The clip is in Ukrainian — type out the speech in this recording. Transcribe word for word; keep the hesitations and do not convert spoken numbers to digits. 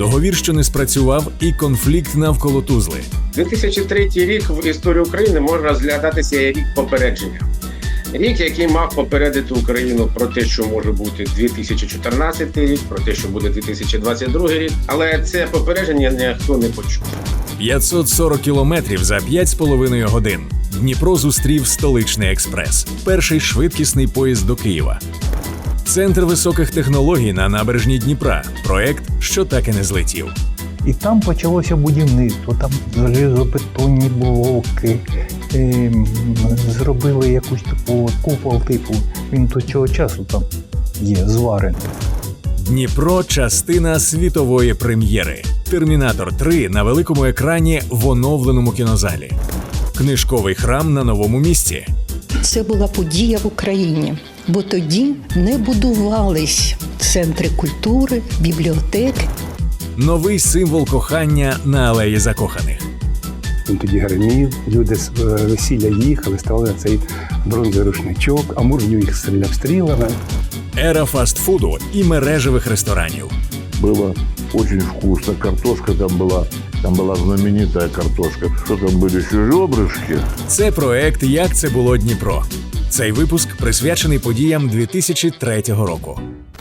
договір, що не спрацював, і конфлікт навколо Тузли. дві тисячі третій рік в історії України може розглядатися як рік попередження. Рік, який мав попередити Україну про те, що може бути дві тисячі чотирнадцятий рік, про те, що буде дві тисячі двадцять другий рік, але це попередження ніхто не почув. п'ятсот сорок кілометрів за п'ять з половиною годин. Дніпро зустрів столичний експрес – перший швидкісний поїзд до Києва. Центр високих технологій на набережній Дніпра – проект, що так і не злетів. І там почалося будівництво, там залізобетонні блоки, е, зробили якусь таку купол типу, він до цього часу там є, зварений. Дніпро – частина світової прем'єри. «Термінатор три» на великому екрані в оновленому кінозалі. Книжковий храм на новому місці. Це була подія в Україні, бо тоді не будувались центри культури, бібліотеки. Новий символ кохання на алеї закоханих. Він тоді гримів, люди з весілля їхали, ставили на цей бронзовий рушничок, а Муравйов їх стріляв стрілами. Ера фастфуду і мережевих ресторанів. Было очень вкусно, картошка там была, там была знаменитая картошка. Что там были еще ребрышки? Це проект «Як це було Дніпро». Цей випуск присвячений подіям дві тисячі третього року.